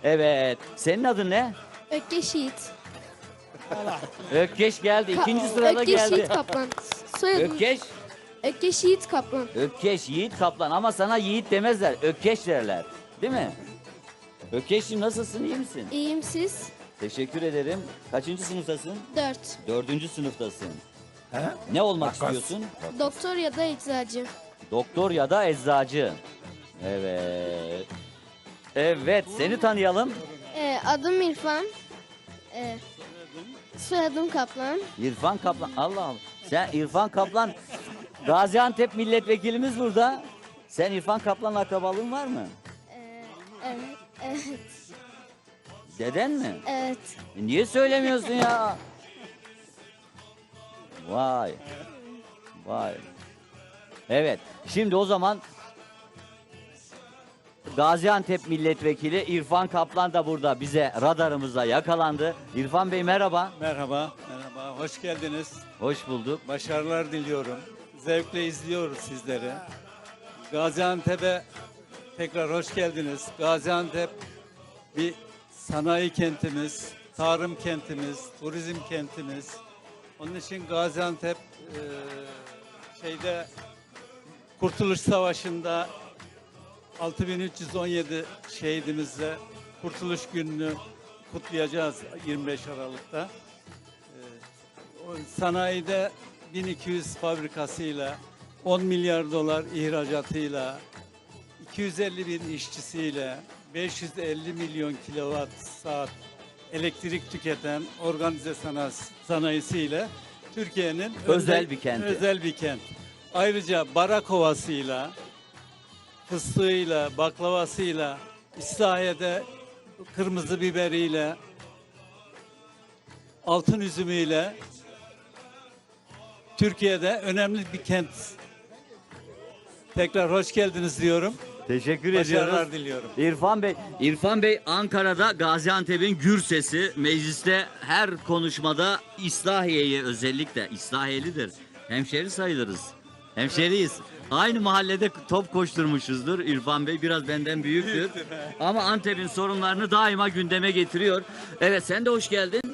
Evet. Senin adın ne? Ökkeş Yiğit. Ökkeş geldi. İkinci sırada Ökkeş Yiğit geldi. Kaplan. Soyadım Ökkeş. Ökkeş Yiğit Kaplan. Ökkeş, Yiğit Kaplan. Ama sana Yiğit demezler. Ökkeş derler. Değil mi? Ökkeş'im nasılsın? İyi misin? İyiyim siz? Teşekkür ederim. Kaçıncı sınıftasın? 4. Dördüncü sınıftasın. Ne olmak istiyorsun? Doktor ya da eczacı. Doktor ya da eczacı. Evet. Evet, seni tanıyalım. Adım İrfan. Soyadım Kaplan. İrfan Kaplan. Allah Allah. Sen İrfan Kaplan. Gaziantep milletvekilimiz burada. Sen İrfan Kaplan'la akrabalığın var mı? Evet. Evet. Deden mi? Evet. Niye söylemiyorsun ya? Vay. Vay. Evet. Şimdi o zaman Gaziantep milletvekili İrfan Kaplan da burada bize radarımıza yakalandı. İrfan Bey merhaba. Merhaba, merhaba. Hoş geldiniz. Hoş bulduk. Başarılar diliyorum. Zevkle izliyoruz sizleri. Gaziantep'e tekrar hoş geldiniz. Gaziantep bir sanayi kentimiz, tarım kentimiz, turizm kentimiz. Onun için Gaziantep Kurtuluş Savaşı'nda 6317 şehidimizle Kurtuluş Günü'nü kutlayacağız 25 Aralık'ta. O sanayide 1200 fabrikasıyla, 10 milyar dolar ihracatıyla, 250 bin işçisiyle, 550 milyon kilowatt saat elektrik tüketen organize sanayisiyle Türkiye'nin Özel bir kenti. Özel bir kent. Ayrıca Barakova'sıyla, fıstığıyla, baklavasıyla, İslahiye'de kırmızı biberiyle, altın üzümüyle Türkiye'de önemli bir kent. Tekrar hoş geldiniz diyorum. Teşekkür Başarılar ediyoruz. diliyorum. İrfan Bey Ankara'da Gaziantep'in gür sesi. Mecliste her konuşmada İslahiye'yi özellikle İslahiyelidir. Hemşeri sayılırız. Hemşeriyiz. Aynı mahallede top koşturmuşuzdur. İrfan Bey biraz benden büyüktür. Ama Antep'in sorunlarını daima gündeme getiriyor. Evet sen de hoş geldin.